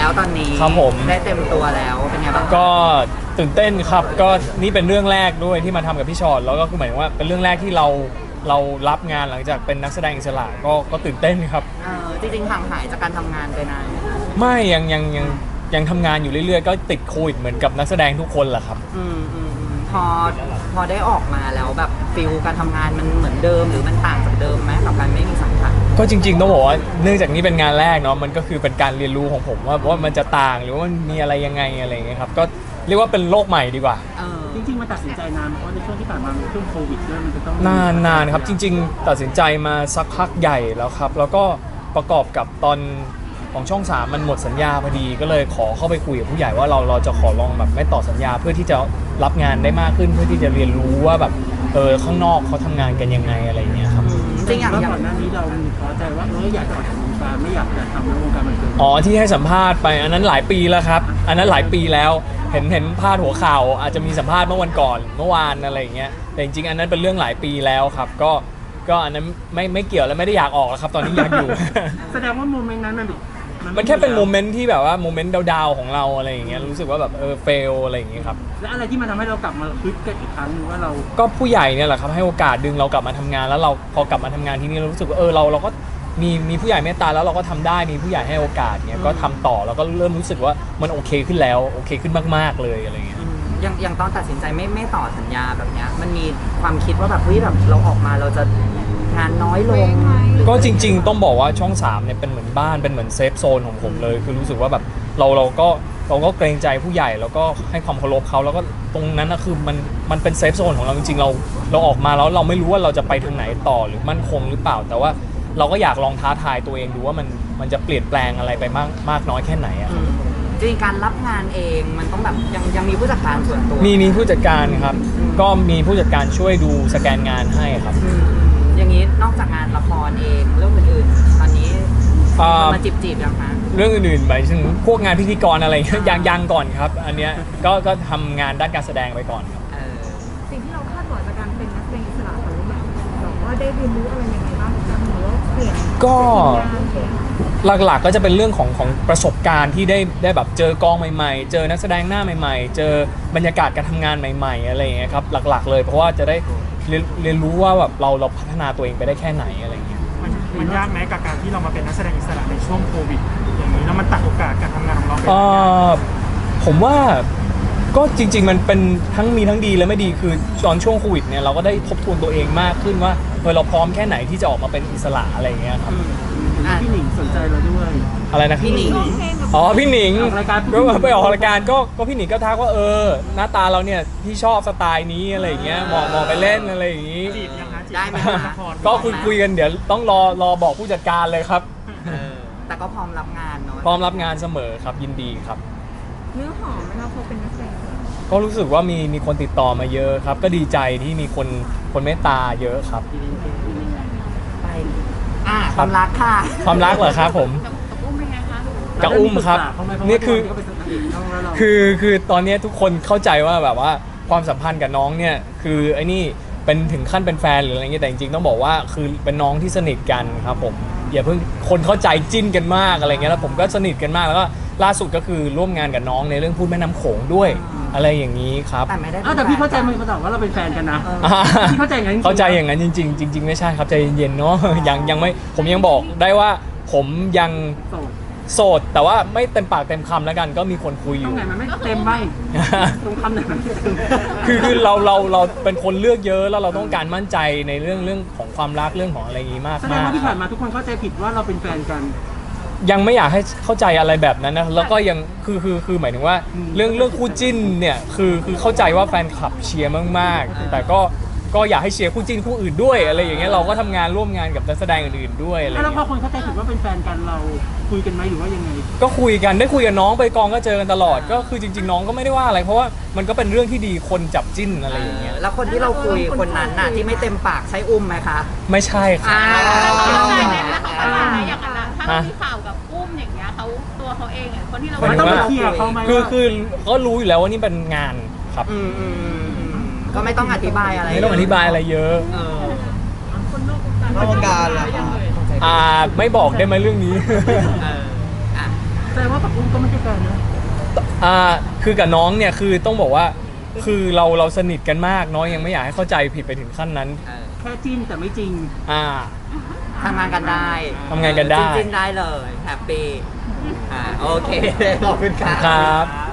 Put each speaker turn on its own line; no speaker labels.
แล้วตอนนี้
ครับผม
ได้เต็มตัวแล้วเป็นไงบ้าง
ก็ตื่นเต้นครับก็นี่เป็นเรื่องแรกด้วยที่มาทำกับพี่ชอตแล้วก็คือหมายถึงว่าเป็นเรื่องแรกที่เรารับงานหลังจากเป็นนักแสดงอิสระก็ตื่นเต้นครับ
จริงๆห่างหายจากการทำงานไปนาน
ไม่ยังทำงานอยู่เรื่อยๆก็ติดโควิดเหมือนกับนักแสดงทุกคนแหละครับ
พอได้ออกมาแล้วแบบฟิลการทำงานมันเหมือนเดิมหรือมันต่างจากเดิมไหมกับการไม่มีสังกัด
ก็จริงๆต้องบอกว่าเนื่องจากนี้เป็นงานแรกเนาะมันก็คือเป็นการเรียนรู้ของผมว่ามันจะต่างหรือว่ามันมีอะไรยังไงอะไรอย่างเงี้ยครับก็เรียกว่าเป็นโลกใหม่ดีกว่า
จริงๆมันตัดสินใจนานเพราะในช่วงที่ผ่านมาเป็นช่วงโควิดด้วยมันจะต้อง
นานครับจริงๆตัดสินใจมาสักพักใหญ่แล้วครับแล้วก็ประกอบกับตอนของช่อง3มันหมดสัญญาพอดีก็เลยขอเข้าไปคุยกับผู้ใหญ่ว่าเราจะขอลองแบบไม่ต่อสัญญาเพื่อที่จะรับงานได้มากขึ้นเพื่อที่จะเรียนรู้ว่าแบบข้างนอกเขาทำงานกันยังไงอะไรเงี้ยครับ
จริงอย่างก่อนหน้านี้เราท้อใจว่าอยากจะออกจากวงการไม่อยากจะทำในวงการบันเทิง
ที่ให้สัมภาษณ์ไปอันนั้นหลายปีแล้วครับอันนั้นหลายปีแล้วเห็นพาดหัวข่าวอาจจะมีสัมภาษณ์เมื่อวันก่อนเมื่อวานอะไรอย่างเงี้ยแต่จริงๆอันนั้นเป็นเรื่องหลายปีแล้วครับก็อันนั้นไม่เกี่ยวแล้วไม่ได้อยากออกแล้วครับตอนนี้อยากอยู่
แสดงว่าโมเมนต์นั้น
มันแค่เป็นโมเมนต์ที่แบบว่าโมเมนต์ดาวๆของเราอะไรอย่างเงี้ยรู้สึกว่าแบบเฟลอะไรอย่างเงี้ยครับ
แล้วอะไรที่มันทำให้เรากลับมาฮึดกันอีกครั้งนึงว่าเรา
ก็ผู้ใหญ่เนี่ยแหละครับให้โอกาสดึงเรากลับมาทำงานแล้วเราพอกลับมาทำงานที่นี่เรารู้สึกว่าเราก็มีผู้ใหญ่เมตตาแล้วเราก็ทำได้มีผู้ใหญ่ให้โอกาสเนี่ยก็ทำต่อแล้วก็เริ่มรู้สึกว่ามันโอเคขึ้นแล้วโอเคขึ้นมากๆเลยอะไรเงี้ย
อย่างตอนตัดสินใจไม่ต่อสัญญาแบบเนี้ยมันมีความคิดว่าแบบเฮ้ยแบบเราออกมาเราจะงานน้อยลง
ก็จริงๆต้องบอกว่าช่อง3เนี่ยเป็นเหมือนบ้านเป็นเหมือนเซฟโซนของผมเลยคือรู้สึกว่าแบบเราก็เกรงใจผู้ใหญ่แล้วก็ให้ความเคารพเขาแล้วก็ตรงนั้นนะคือมันเป็นเซฟโซนของเราจริงๆเราออกมาแล้วเราไม่รู้ว่าเราจะไปทางไหนต่อหรือมั่นคงหรือเปล่าแต่ว่าเราก็อยากลองท้าทายตัวเองดูว่ามันจะเปลี่ยนแปลงอะไรไปมากน้อยแค่ไหนอะ
จริงการรับงานเองมันต้องแบบยังมีผู้จัดการส่วนตัว
มีผู้จัดการครับก็มีผู้จัดการช่วยดูสแกนงานให้ครับ
อย่างนี้นอกจากงานละครเองเรื่องอื่นๆตอนนี้มาจีบยังคะ
เรื่องอื่นๆไปถึงพวกงานพิธีกรอะไรยังก่อนครับอันเนี้ยก็ทำงานด้านการแสดงไปก่อนครับ
สิ่งที่เราคาดหวังจากการเป็นนักแสดงอิสระของเราแบบว่าได้เรียนรู้อะไรยังไงบ้างหรือว่าเปลี่ยน
ก็หลักๆก็จะเป็นเรื่องของประสบการณ์ที่ได้แบบเจอกองใหม่ๆเจอนักแสดงหน้าใหม่ๆเจอบรรยากาศการทำงานใหม่ๆอะไรอย่างเงี้ยครับหลักๆเลยเพราะว่าจะได้เรียนรู้ว่าแบบเราพัฒนาตัวเองไปได้แค่ไหนอะไรเงี้ย
มันยากไหมกับการที่เรามาเป็นนักแสดงอิสระในช่วงโควิดอย่างนี้แล้วมันตัดโอกาสการทำงานของเรา
ผมว่าก็จริงๆมันเป็นทั้งมีทั้งดีและไม่ดีคือตอนช่วงโควิดเนี่ยเราก็ได้ทบทวนตัวเองมากขึ้นว่าเราพร้อมแค่ไหนที่จะออกมาเป็นอิสระอะไรเงี้ยครับ
พี่หนิงสนใจเราด้วย
อะไรนะ
พี่หนิง
พี่หนิงก็ไปออกรายการก็พี่หนิงก็ทักว่าหน้าตาเราเนี่ยพี่ชอบสไตล์นี้อะไรอย่างเงี้ยมองไปเล่นอะไรอย่างงี้
ได้ไหม
ก็คุยกันเดี๋ยวต้องรอบอกผู้จัดการเลยครับ
แต่ก็พร้อมรับงานเนาะ
พร้อมรับงานเสมอครับยินดีครับ
เนื้อหอมไหมเราพอเป็นนักแสดง
ก็รู้สึกว่ามีคนติดต่อมาเยอะครับก็ดีใจที่มีคนเมตตาเยอะครับ
ความรักค่ะ
ความรักเหรอครับผมกับอุ้มครับนี่คือตอนนี้ทุกคนเข้าใจว่าแบบว่าความสัมพันธ์กับน้องเนี่ยคือไอ้นี่เป็นถึงขั้นเป็นแฟนหรืออะไรเงี้ยแต่จริงๆต้องบอกว่าคือเป็นน้องที่สนิทกันครับผมอย่าเพิ่งคนเข้าใจจิ้นกันมากอะไรเงี้ยแล้วผมก็สนิทกันมากแล้วก็ล่าสุดก็คือร่วมงานกับน้องในเรื่องพูดแม่น้ำโขงด้วยอะไรอย่างนี้ครับ
แต่ไม่ได้
แต่พี่เข้าใจมันว่าเราเป็นแฟนกันนะพี่เข้าใจอย่างนั้น
จริงๆไม่ใช่ครับใจเย็นๆเนาะยังไม่ผมยังบอกได้ว่าผมยังโสดแต่ว่าไม่เต็มปากเต็มคำแล้วกันก็มีคนคุยอยู่ตรง
ไหนมันไม่เต็มบ้างตรงคำไหนมันเต็ม
คือเราเป็นคนเลือกเยอะแล้วเราต้องการมั่นใจในเรื่องของความรักเรื่องของอะไรอย่างนี้มาก
แสดงว่าที่ผ่านมาทุกคนเข้าใจผิดว่าเราเป็นแฟนกัน
ยังไม่อยากให้เข้าใจอะไรแบบนั้นนะแล้วก็ยังคือหมายถึงว่าเรื่องคู่จิ้นเนี่ยคือเข้าใจว่าแฟนคลับเชียร์มากๆแต่ก็อยากให้เชียร์คู่จิ้นคู่อื่นด้วยอะไรอย่างเงี้ยเราก็ทำงานร่วมงานกับนักแสดงอื่นๆด้วยอะไร
แล้วพอคนเข้าใจผิดว่าเป็นแฟนกันเราคุยกันไหมหรือว่ายังไง
ก็คุยกันได้คุยกับน้องไปกองก็เจอกันตลอดก็คือจริงๆน้องก็ไม่ได้ว่าอะไรเพราะว่ามันก็เป็นเรื่องที่ดีคนจับจิ้นอะไรอย่างเงี้ย
แล้วคนที่เราคุยคนนั้นน่ะที่ไม่เต็มปากใช้อุ้มไหมคะ
ไม่ใช่ค่ะ
อย่างนั้นถ้ามีข่าวกับอุ้มอย่างเงี้ยเขาตัวเขาเองอ่ะคนที่เรา
ต้องไปเคลียร์เขาไหม
คือก็รู้อยู่แล้วว่านี่เป็นงานครับ
ก็ไม่ต้องอธิบายอะไร
ไม่ต้องอธิบายอะไรเยอะ
คนนอกวงการ
ล่ะ
ไม่บอกได้ไหมเรื่องนี้
แสดงว่ากับอุ้มก็ไม่ใช่แฟนนะ
คือกับน้องเนี่ยคือต้องบอกว่าคือเราสนิทกันมากน้องยังไม่อยากให้เข้าใจผิดไปถึงขั้นนั้น
แค่จิ้นแต่ไม่จริง
อ่า
ทำงานกันได้
ทำงานกันได้
จริงๆได้เลยแฮปปี้โอเคขอบคุณครับ
ครับ